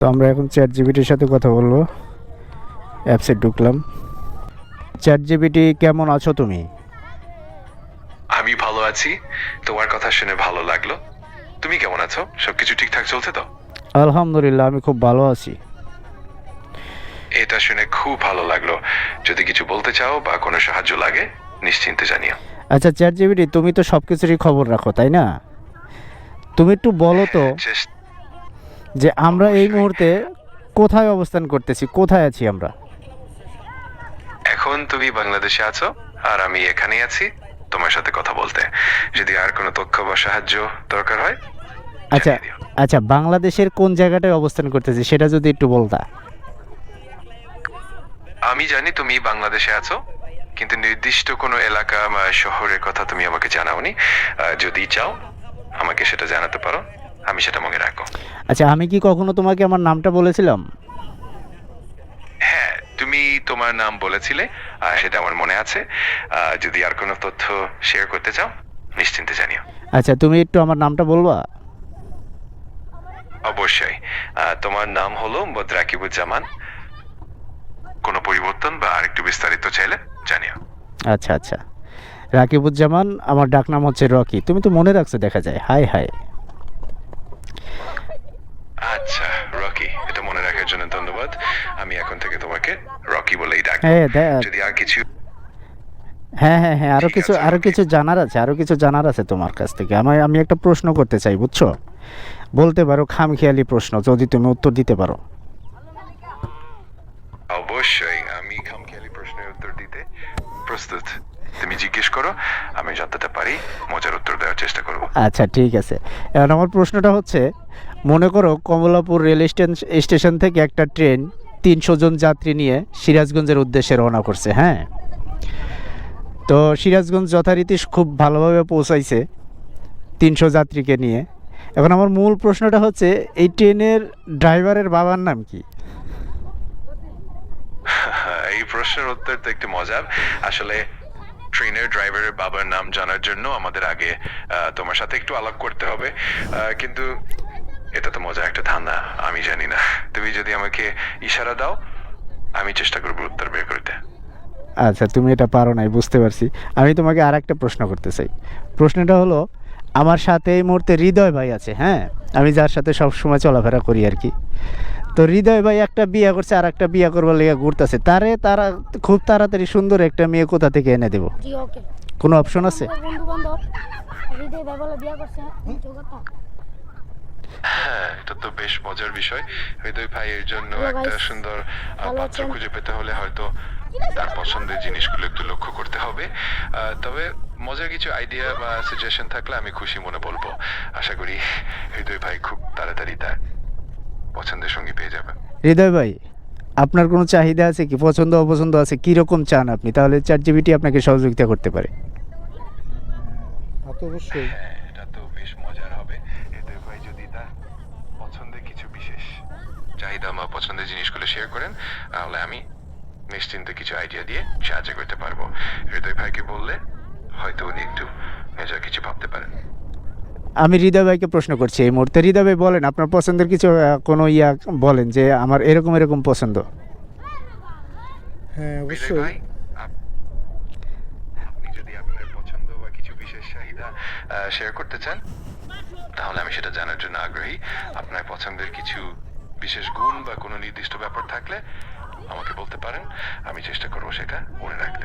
তো আমরা এখন চ্যাট জিপিটির সাথে কথা বলবো। অ্যাপসে ঢুকলাম। চ্যাট জিপিটি, কেমন আছো তুমি? আমি ভালো আছি। তোমার কথা শুনে ভালো লাগলো। তুমি কেমন আছো? সবকিছু ঠিকঠাক চলছে তো? আলহামদুলিল্লাহ, আমি খুব ভালো আছি। এটা শুনে খুব ভালো লাগলো। যদি কিছু বলতে চাও বা কোনো সাহায্য লাগে নিশ্চিন্তে জানিও। আচ্ছা চ্যাট জিপিটি, তুমি তো সব কিছুরই খবর রাখো, তাই না? তুমি একটু বলো তো যে আমরা এই অবশ্যই। মুহূর্তে কোথায় অবস্থান করতেছি, কোথায় আছি আমরা? এখন তুমি বাংলাদেশে আছো আর আমি এখানেই আছি তোমার সাথে কথা বলতে। যদি আর কোনো তথ্য বা সাহায্য দরকার হয় আচ্ছা জানিয়ে দিও। আচ্ছা, বাংলাদেশের কোন জায়গাটায় অবস্থান করতেছি সেটা যদি একটু বলতা। আমি জানি তুমি বাংলাদেশে আছো, কিন্তু নির্দিষ্ট কোনো এলাকা বা শহরের কথা তুমি আমাকে জানাওনি। যদি চাও আমাকে সেটা জানাতে পারো, আমি সেটা মনে রাখবো। আচ্ছা, আমি কি কখনো তোমাকে আমার নামটা বলেছিলাম? হ্যাঁ, তুমি তোমার নাম বলেছিলে, সেটা আমার মনে আছে। যদি আর কোনো তথ্য শেয়ার করতে চাও নিশ্চিন্তে জানিও। আচ্ছা, তুমি একটু আমার নামটা বলবা? অবশ্যই। তোমার নাম হলো রাকিবুজ্জামান। কোনো পরিবর্তন বা আরেকটু বিস্তারিত চাইলে জানিও। আচ্ছা আচ্ছা, রাকিবুজ্জামান, আমার ডাকনাম হচ্ছে রকি। তুমি তো মনে রাখছো দেখা যায়। High high. আচ্ছা রকি, এটা মনে রাখার জন্য ধন্যবাদ। আমি এখন থেকে তোমাকে রকি বলেই ডাকবো। হ্যাঁ যদি আর কিছু হ্যাঁ হ্যাঁ হ্যাঁ, ঠিক আছে, আরো রকি। কিছু জানার আছে, আরো কিছু জানার আছে তোমার কাছ থেকে। আমি একটা প্রশ্ন করতে চাই, বুঝছো? বলতে পারো, খামখেয়ালি প্রশ্ন, যদি তুমি উত্তর দিতে পারো। অবশ্যই, আমি খামখেয়ালি প্রশ্নের উত্তর দিতে প্রস্তুত। তুমি জিজ্ঞেস করো, আমি যতটা পারি মজার উত্তর দেওয়ার চেষ্টা করব। আচ্ছা ঠিক আছে। এখন আমার প্রশ্নটা হচ্ছে, মনে করো কমলাপুর রেল স্টেশন থেকে একটা ট্রেন 300 জন যাত্রী নিয়ে সিরাজগঞ্জের উদ্দেশ্যে রওনা করছে। হ্যাঁ, তো সিরাজগঞ্জ যথারীতি খুব ভালোভাবে পৌঁছাইছে 300 যাত্রীকে নিয়ে। এখন আমার মূল প্রশ্নটা হচ্ছে, এই ট্রেনের ড্রাইভারের বাবার নাম কি? এই প্রশ্নের উত্তর তো একটু মজার। আসলে ট্রেনের ড্রাইভারের বাবার নাম জানার জন্য আমাদের আগে তোমার সাথে একটু আলাপ করতে হবে। কিন্তু এটা তো মজা একটা ধান্দা, আমি জানি না। তুমি যদি আমাকে ইশারা দাও আমি চেষ্টা করবো উত্তর বের করতে। আচ্ছা, তুমি এটা পারো নাই, বুঝতে পারছি। আমি তোমাকে আর একটা প্রশ্ন করতে চাই। প্রশ্নটা হলো, আমার সাথে এই মুহূর্তে হৃদয় ভাই আছে। হ্যাঁ, আমি যার সাথে সব সময় চলাফেরা করি আর কি। তো হৃদয় ভাই একটা বিয়ে করছে, আর একটা বিয়ে করবার লেগে ঘুরতেছে। তারা খুব তাড়াতাড়ি সুন্দর একটা মেয়ে কোথা থেকে এনে দেবো? জি ওকে। কোনো অপশন আছে? বন্ধু বান্ধব হৃদয় ভাই বলে বিয়ে করছে যোগ্যতা। হ্যাঁ, এটা তো বেশ মজার বিষয়। হৃদয় ভাইয়ের জন্য Hello, একটা guys. সুন্দর ভালো পাত্র আছেন? খুঁজে পেতে হলে হয়তো তার পছন্দের জিনিসগুলো একটু লক্ষ্য করতে হবে। তবে মজার কিছু আইডিয়া বা সাজেশন থাকলে আমি খুশি মনে বলবো। আশা করি হৃদয় ভাই খুব তাড়াতাড়ি তার পছন্দের সঙ্গী পেয়ে যাবে। হৃদয় ভাই, আপনার কোনো চাহিদা আছে কি? পছন্দ অপছন্দ আছে? কীরকম চান আপনি? তাহলে চ্যাট জিপিটি আপনাকে সহযোগিতা করতে পারে। তা তো অবশ্যই। হ্যাঁ, এটা তো বেশ মজার হবে। হৃদয় ভাই যদি তার পছন্দের কিছু বিশেষ চাহিদা বা পছন্দের জিনিসগুলো শেয়ার করেন তাহলে আমি নিশ্চিন্তে কিছু আইডিয়া দিয়ে সাহায্য করতে পারবো। হৃদয় ভাইকে বললে হয়তো উনি একটু মেজর কিছু ভাবতে পারেন। আমি হৃদয় ভাইকে প্রশ্ন করছি এই মুহূর্তে। হৃদয় ভাই বলেন, আপনার পছন্দের কিছু কোনো বলেন যে আমার এরকম এরকম পছন্দ। হ্যাঁ হৃদয় অবশ্যই। ভাই, আপনি যদি আপনার পছন্দ বা কিছু বিশেষ চাহিদা শেয়ার করতে চান তাহলে আমি সেটা জানার জন্য আগ্রহী। আপনার পছন্দের কিছু বিশেষ গুণ বা কোনো নির্দিষ্ট ব্যাপার থাকলে আমাকে বলতে পারেন, আমি চেষ্টা করবো সেটা মনে রাখতে।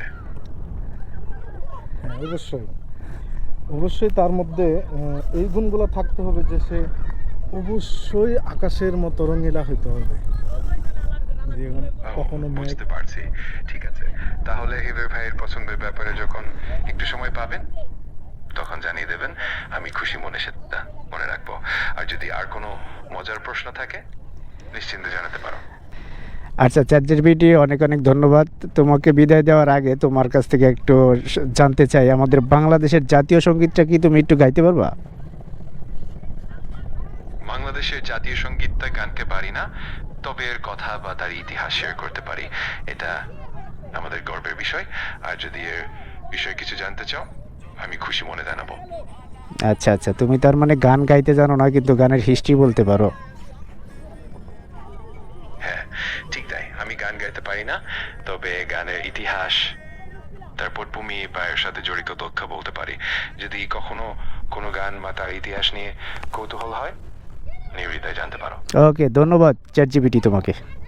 হ্যাঁ অবশ্যই। অবশ্যই তার মধ্যে এই গুণগুলো থাকতে হবে যে সে অবশ্যই আকাশের মতো রঙিলা হইতে হবে। যেমন কখনো মেঘ। বুঝতে পারছি। ঠিক আছে, তাহলে হৃদয় ভাইয়ের পছন্দের ব্যাপারে যখন একটু সময় পাবেন তখন জানিয়ে দেবেন। আমি খুশি মনে সেটা মনে রাখবো। আর যদি আর কোনো মজার প্রশ্ন থাকে নিশ্চিন্তে জানাতে পারো। আচ্ছা চ্যাট জিপিটি, অনেক অনেক ধন্যবাদ। তোমাকে বিদায় দেওয়ার আগে তোমার কাছ থেকে একটু জানতে চাই, আমাদের বাংলাদেশের জাতীয় সঙ্গীতটা কি তুমি একটু গাইতে পারবা? বাংলাদেশের জাতীয় সঙ্গীতটা গানতে পারি না, তবে এর কথা বা তার ইতিহাস শেয়ার করতে পারি। এটা আমাদের গর্বের বিষয়। আর যদি এর বিষয়ে কিছু জানতে চাও আমি খুশি মনে জানাবো। আচ্ছা আচ্ছা, তুমি তার মানে গান গাইতে জানো না, কিন্তু গানের হিস্ট্রি বলতে পারো। ঠিক তাই, আমি গান গাইতে পারি না, তবে গানের ইতিহাস তার পটভূমি বা এর সাথে জড়িত তথ্য বলতে পারি। যদি কখনো কোনো গান বা তার ইতিহাস নিয়ে কৌতূহল হয়, নির্দ্বিধায় জানতে পারো। ওকে, ধন্যবাদ চ্যাট জিপিটি তোমাকে।